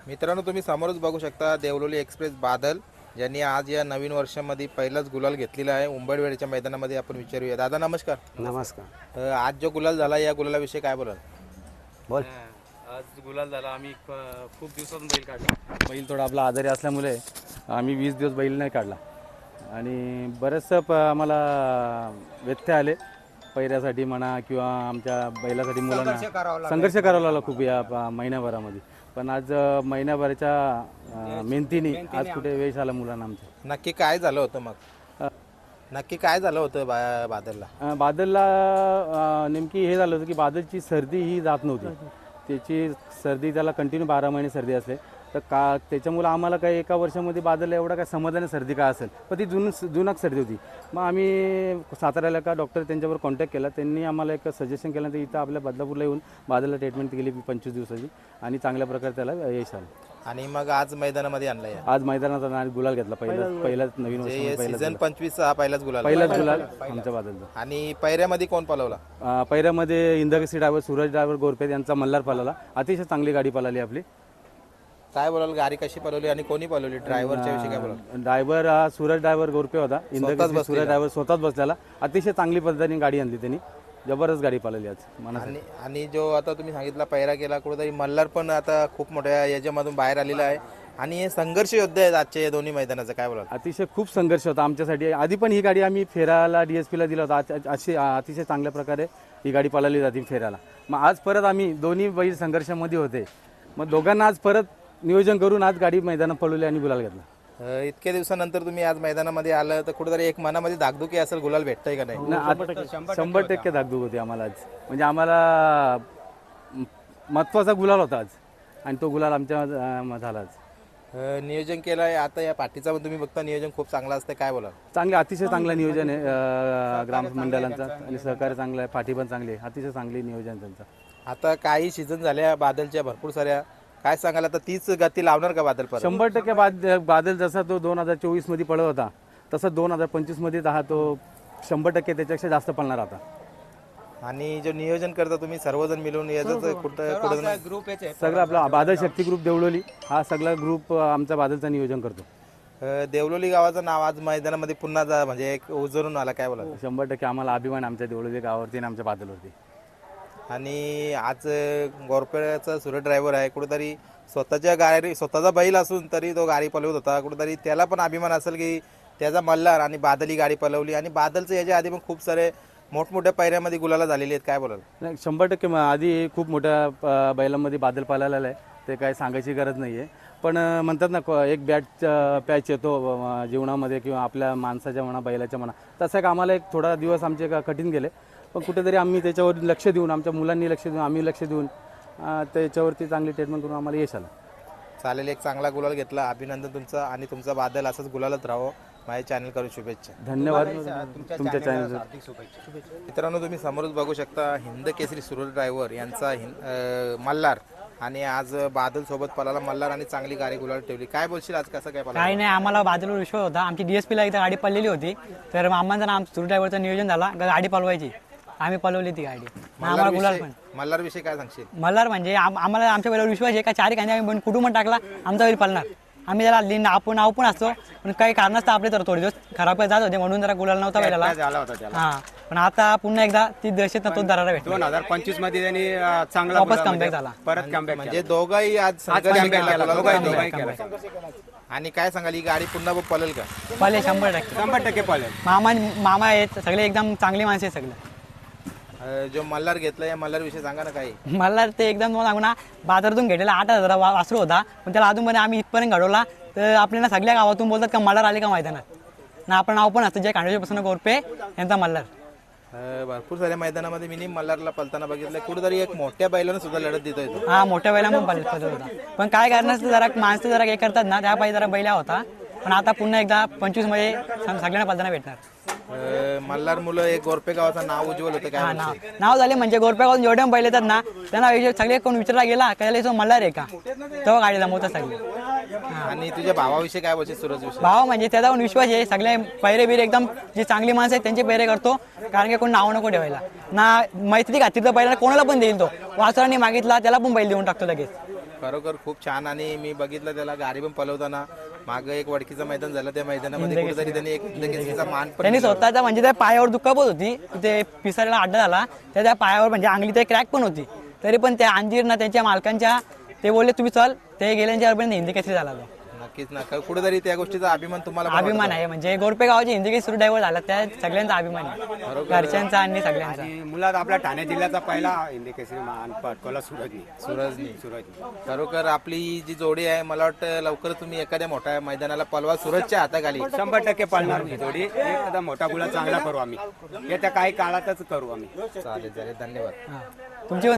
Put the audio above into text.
मित्रांनो, तुम्ही समोरच बघू शकता देवलोली एक्सप्रेस बादल, ज्यांनी आज या नवीन वर्षामध्ये पहिलाच गुलाल घेतलेला आहे. उंबरवेळच्या मैदानामध्ये आपण विचारूया. दादा नमस्कार. नमस्कार. आज जो गुलाल झाला या गुलालाविषयी काय बोलाल? बोल. आज गुलाल झाला. आम्ही खूप दिवसातून बैल काढला. बैल थोडा आपला आजारी असल्यामुळे आम्ही 20 दिवस बैल नाही काढला आणि बरेचसं आम्हाला व्यत्यय आले पैऱ्यासाठी म्हणा किंवा आमच्या बैलासाठी मुलांना संघर्ष करावा लागला खूप या महिन्याभरामध्ये. पण आज महिन्याभराच्या मेहनतीने आज कुठे वेळ आला मुलांना आमच्या. नक्की काय झालं होतं मग? नक्की काय झालं होतं बादलला? बादलला नेमकी हे झालं होतं की बादलची सर्दी ही जात नव्हती. त्याची सर्दी त्याला कंटिन्यू 12 महिने सर्दी असते. तर त्याच्यामुळं आम्हाला काही एका वर्षामध्ये बादलला एवढा काय समजलं सर्दी काय असेल, पण ती जुनाक सर्दी होती. मग आम्ही साताऱ्याला का डॉक्टर त्यांच्यावर कॉन्टॅक्ट केला. त्यांनी आम्हाला एक सजेशन केलं तर इथं आपल्या बदलापूरला येऊन बादलला ट्रीटमेंट केली 25 दिवसाची आणि चांगल्या प्रकारे त्याला यश आलं. आणि मग आज मैदानामध्ये आणलाय. आज मैदानात गुलाल घेतला. पहिलाच नवीन वर्ष सीझन 25 हा पहिलाच गुलाल आमच्या बादलचा. आणि पैऱ्यामध्ये कोण पळवला? पैऱ्यामध्ये इंदकसी ड्रायव्हर, सूरज ड्रायव्हर गोरपे यांचा मल्हार पळाला. अतिशय चांगली गाडी पळाली आपली. काय बोलाल, गाडी कशी पळवली आणि कोणी पळवली? ड्रायव्हरच्या विषयी काय बोलाल? ड्रायव्हर हा सूरज ड्रायव्हर गोरपे होता. इंदकसी सूरज ड्रायव्हर स्वतःच बसलेला. अतिशय चांगली पद्धतीने गाडी आणली त्यांनी. जबरदस्त गाडी पळाली आज. आणि जो आता तुम्ही सांगितला पैरा केला, कुठेतरी मल्हार पण आता खूप मोठ्या याच्यामधून बाहेर आलेला आहे आणि हे संघर्ष योद्धे आहेत आजच्या या दोन्ही मैदानाचं. काय बोलाल? अतिशय खूप संघर्ष होता आमच्यासाठी. आधी पण ही गाडी आम्ही फेराला DSPला दिला होता. अशी अतिशय चांगल्या प्रकारे ही गाडी पळाली जाते फेराला. मग आज परत आम्ही दोन्ही बैल संघर्षामध्ये होते. मग दोघांना आज परत नियोजन करून आज गाडी मैदानात पळवली आणि गुलाल घेतला. इतक्या दिवसानंतर तुम्ही आज मैदानामध्ये आलं तर कुठेतरी एक मनामध्ये धाकधुकी असेल, गुलाल भेटतंय का नाही? 100% धाकधूक होती आम्हाला आज. म्हणजे आम्हाला महत्त्वाचा गुलाल होता आज आणि तो गुलाल आमच्या झाला आज. नियोजन केलं आहे आता या पाठीचा पण तुम्ही बघता नियोजन खूप चांगलं असतं. काय बोला? चांगलं, अतिशय चांगलं नियोजन आहे ग्राम मंडळांचा आणि सहकार्य चांगलं आहे. पाठी पण चांगली आहे. अतिशय चांगली नियोजन त्यांचं. आता काही सीझन झाल्या बादलच्या भरपूर साऱ्या. काय सांगाल आता तीच गती लावणार का बादल? 100% बादल जसा तो 2024 मध्ये पळत होता तसा 2025 मध्ये तो 100% त्याच्यापेक्षा जास्त पळणार आता. आणि जो नियोजन करता तुम्ही सर्वजण मिळून याचं कुठं ग्रुप सगळं आपला बादल शक्ती ग्रुप देवलोली हा सगळा ग्रुप आमचा बादलचं नियोजन करतो. देवलोली गावाचं नाव आज मैदानामध्ये पुन्हा म्हणजे एक उजळून आला. काय बोला? 100% आम्हाला अभिमान आमच्या देवलोली गावावरती आणि आमच्या बादलवरती. आणि आज गोरपेचा सूरज ड्रायव्हर आहे. कुठेतरी स्वतःच्या गाडी स्वतःचा बैल असून तरी तो गाडी पळवत होता. कुठेतरी त्याला पण अभिमान असेल की त्याचा मल्हार आणि बादल ही गाडी पळवली. आणि बादलचं याच्या आधी पण खूप सारे मोठमोठ्या पैऱ्यामध्ये गुलाला झालेले आहेत. काय बोलाल? नाही, 100% आधी खूप मोठ्या बैलांमध्ये बादल पळालेला आहे. ते काय सांगायची गरज नाही आहे. पण म्हणतात ना एक बॅट पॅच येतो जीवनामध्ये किंवा आपल्या माणसाच्या म्हणा बैलाच्या म्हणा, तसं एक आम्हाला एक थोडा दिवस आमचे कठीण गेले. पण कुठेतरी आम्ही त्याच्यावर लक्ष देऊन, आमच्या मुलांनी लक्ष देऊन, आम्ही लक्ष देऊन त्याच्यावरती चांगली ट्रीटमेंट करून आम्हाला यश आलं. चालेल, एक चांगला गुलाल घेतला. अभिनंदन तुमचं आणि तुमचा बादल असंच गुलालच राहावं. माझ्या चॅनल करून शुभेच्छा. धन्यवाद. तुमच्या चॅनल मित्रांनो, तुम्ही समोरच बघू शकता हिंद केसरी सूरज ड्रायव्हर यांचा मल्हार आणि आज बादल सोबत पळाला मल्हार आणि चांगली गाडी गुलाल ठेवली. काय बोलशील आज कसं काय पळाला? काही नाही, आम्हाला बादलवर विश्वास होता. आमची DSPला इथं गाडी पळलेली होती. तर मामांचा आम सूरज ड्रायव्हरचं नियोजन झाला गाडी पळवायची. आम्ही पळवली ती गाडी. आम्हाला गुलाल पण. मल्हार विषयी काय सांगशील? मल्हार म्हणजे आम्हाला आमच्या बैलावर विश्वास आहे का चारी खांदे आम्ही कुटुंब टाकला आमचा बैल पळणार. आम्ही त्याला लिन नाव पण असतो, पण काही कारणास्तव आपले तर थोडे दिवस खराब जात होते म्हणून जरा गुलाल नव्हता बैलाला. हा, पण आता पुन्हा एकदा ती दहशत तो दरारा भेटला. 2025 मध्ये त्यांनी चांगला वापस कमबॅक झाला. परत कमबॅक म्हणजे दोघंही आज दोघंही केला. आणि काय सांगाल, ही गाडी पुन्हा पळेल का? पळेल 100%. 100% पळेल. मामा आहेत सगळे, एकदम चांगली माणसे आहेत सगळे. जो मल्हार घेतला या मल्हार विषयी सांगा ना काही. मला ते एकदम तुम्हाला सांगू ना, बाजारातून घेतलेला 8,000 वासरू होता, पण त्याला अजूनपर्यंत आम्ही इथपर्यंत घडवला. तर आपल्याला सगळ्या गावातून बोलतात का मल्हार आले का मैदानात ना. आपलं नाव पण असतं जे खांडोजीपासून गोरपे यांचा मल्हार. भरपूर साऱ्या मैदानामध्ये मी मल्हारला पळताना बघितलं. कुठेतरी एक मोठ्या बैलानं सुद्धा लढत देतोय तो. हा, मोठ्या बैला पण पळत होता. पण काय करणार जरा माणसं जरा हे करतात ना, त्या पाहिजे जरा बैला होता. पण आता पुन्हा एकदा 25 मध्ये सगळ्यांना पळताना भेटणार. मल्हार मुलं एक गोरपे गावाचं नाव उज्ज्वल होतं. काय नाव झाले म्हणजे गोरपे गावात जेवढे बैल येतात ना त्यांना सगळे कोण विचारला गेला का मल्हार आहे का, तेव्हा गाडी जमवतात सगळे. आणि तुझ्या भावाविषयी काय बोलशील सूरज विषयी? भाव म्हणजे त्याचा पण विश्वास आहे. सगळे पैरे बिरे एकदम जी चांगली माणसं आहेत त्यांचे पैरे करतो. कारण की कोण नाव नको ठेवायला ना. मैत्री खातीर तर बैलाला कोणाला पण देईल तो. वासरांनी मागितला त्याला पण बैल देऊन टाकतो लगेच. खरोखर खूप छान. आणि मी बघितलं त्याला गाडी पण पलवताना मागं एक वडकीचं मैदान झालं, त्या मैदानामध्ये कुठेतरी त्यांनी एक हिंदकेसरीचा मान पण त्यांनी स्वतःचा म्हणजे त्या पायावर दुखापत होती, ते पिसाऱ्याला अड्डा झाला, त्या पायावर म्हणजे अंगली ते क्रॅक पण होती, तरी पण त्या अंजीरना त्यांच्या मालकांच्या ते बोलले तुम्ही चल, ते गेल्यांच्या अर्पण हिंदी केसरी झाला तो. नक्कीच ना. कुठेतरी त्या गोष्टीचा अभिमान तुम्हाला पण अभिमान आहे म्हणजे गोरपे गावाची हिंदी केसरी ड्रायव्हर झाला, त्या सगळ्यांचा अभिमान आहे, घरच्यांचा आणि सगळ्यांचा. आणि मुलात आपल्या ठाणे जिल्ह्याचा पहिला हिंदी केसरी मान पटकवला सूरजनी. खरोखर आपली जी जोडी आहे, मला वाटतं लवकर तुम्ही एखाद्या मोठ्या मैदानाला पलवा सूरजच्या हाताखाली. 100% पळणार ही जोडी. एखादा मोठा गुला चांगला करू आम्ही, येत्या काही काळातच करू आम्ही. चालेल चालेल, धन्यवाद. तुमची